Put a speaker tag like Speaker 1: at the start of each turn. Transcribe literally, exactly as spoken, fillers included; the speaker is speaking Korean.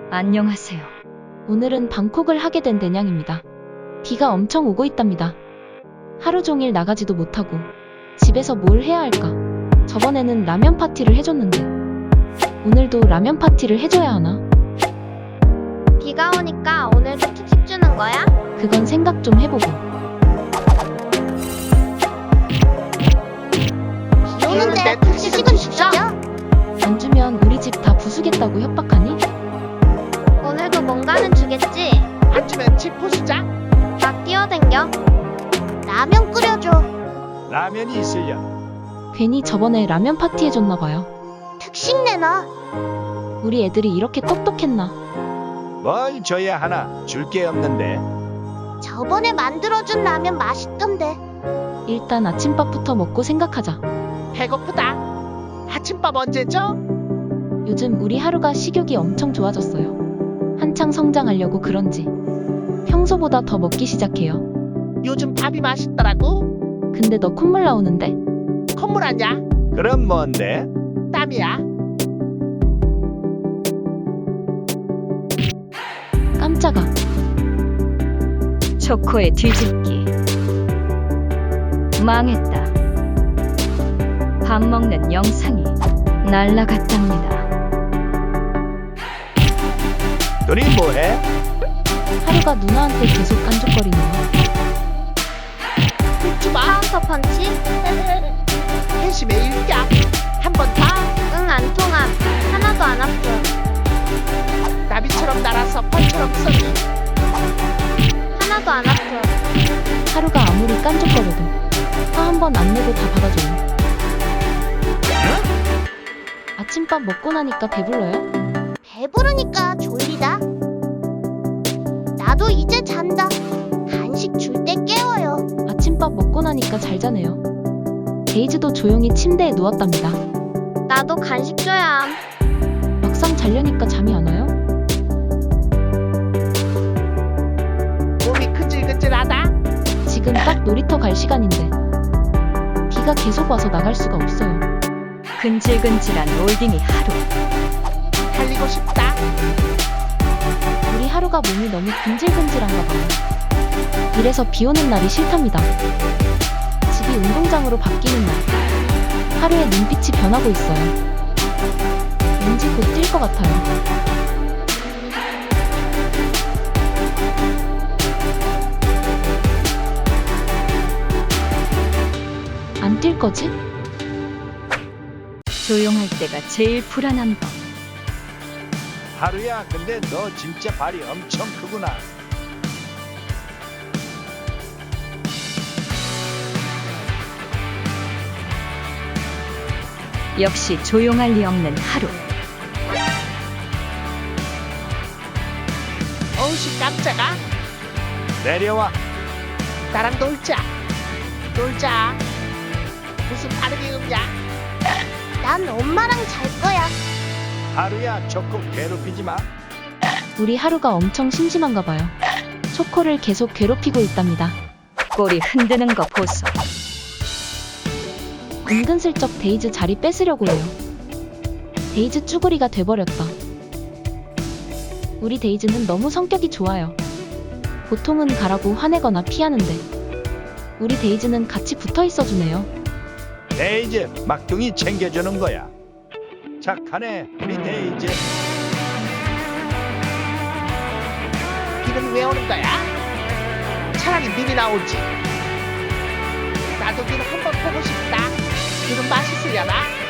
Speaker 1: 안녕하세요.
Speaker 2: 오늘은 방콕을 하게 된 대냥입니다. 비가 엄청 오고 있답니다. 하루 종일 나가지도 못하고 집에서 뭘 해야 할까? 저번에는 라면 파티를 해줬는데 오늘도 라면 파티를 해줘야 하나?
Speaker 3: 비가 오니까 오늘도 특식 주는 거야?
Speaker 2: 그건 생각 좀 해보고.
Speaker 3: 비 오는데 특식은 주죠?
Speaker 2: 안 주면 우리 집 다 부수겠다고 협박하니?
Speaker 3: 오늘도 뭔가는 주겠지?
Speaker 4: 안 주면 집 부수자.
Speaker 3: 막 뛰어댕겨? 라면 끓여줘.
Speaker 4: 라면이 있으려.
Speaker 2: 괜히 저번에 라면 파티 해줬나봐요.
Speaker 3: 특식 내놔.
Speaker 2: 우리 애들이 이렇게 똑똑했나?
Speaker 4: 뭘 줘야 하나? 줄 게 없는데.
Speaker 3: 저번에 만들어준 라면 맛있던데.
Speaker 2: 일단 아침밥부터 먹고 생각하자.
Speaker 4: 배고프다. 아침밥 언제 줘?
Speaker 2: 요즘 우리 하루가 식욕이 엄청 좋아졌어요. 한창 성장하려고 그런지 평소보다 더 먹기 시작해요.
Speaker 4: 요즘 밥이 맛있더라고.
Speaker 2: 근데 너 콧물 나오는데?
Speaker 4: 콧물 아냐? 그럼 뭔데? 땀이야.
Speaker 2: 깜짝아.
Speaker 1: 초코의 뒤집기. 망했다. 밥 먹는 영상이 날라갔답니다.
Speaker 4: 너희 뭐해?
Speaker 2: 하루가 누나한테 계속 깐족거리네요.
Speaker 4: 묻지 마.
Speaker 3: 카운터 펀치?
Speaker 4: 회심의 일격. 한 번 더.
Speaker 3: 응, 안 통함. 하나도 안 아픔.
Speaker 4: 나비처럼 날아서 펄처럼 쏘니.
Speaker 3: 하나도 안 아픔.
Speaker 2: 하루가 아무리 깐족거려도 화 한 번 안 내고 다 받아줘요. 아침밥 먹고 나니까 배불러요?
Speaker 3: 배부르니까 졸리다. 나도 이제 잔다. 간식 줄 때 깨워요.
Speaker 2: 아침밥 먹고 나니까 잘 자네요. 데이즈도 조용히 침대에 누웠답니다.
Speaker 3: 나도 간식 줘야 함.
Speaker 2: 막상 자려니까 잠이 안 와요?
Speaker 4: 몸이 근질근질하다.
Speaker 2: 지금 딱 놀이터 갈 시간인데 비가 계속 와서 나갈 수가 없어요.
Speaker 1: 근질근질한 올딩이 하루.
Speaker 4: 달리고 싶다.
Speaker 2: 우리 하루가 몸이 너무 근질근질한가 봐요. 이래서 비 오는 날이 싫답니다. 집이 운동장으로 바뀌는 날 하루의 눈빛이 변하고 있어요. 왠지 곧 뛸 것 같아요. 안 뛸 거지?
Speaker 1: 조용할 때가 제일 불안한 법.
Speaker 4: 하루야, 근데 너 진짜 발이 엄청 크구나.
Speaker 1: 역시 조용할 리 없는 하루.
Speaker 4: 어우씨, 깜짝아. 내려와. 나랑 놀자. 놀자. 무슨 발음이 없냐?
Speaker 3: 난 엄마랑 잘 거야.
Speaker 4: 하루야, 조금 괴롭히지 마.
Speaker 2: 우리 하루가 엄청 심심한가 봐요. 초코를 계속 괴롭히고 있답니다.
Speaker 1: 꼬리 흔드는 거 보소.
Speaker 2: 은근슬쩍 데이즈 자리 뺏으려고 해요. 데이즈 쭈구리가 돼버렸다. 우리 데이즈는 너무 성격이 좋아요. 보통은 가라고 화내거나 피하는데 우리 데이즈는 같이 붙어 있어주네요.
Speaker 4: 데이즈, 막둥이 챙겨주는 거야. 착하네, 우리 데이즈. 비는 왜 오는 거야? 차라리 눈이 나오지. 나도 눈 한번 보고 싶다. 눈은 맛있으려나?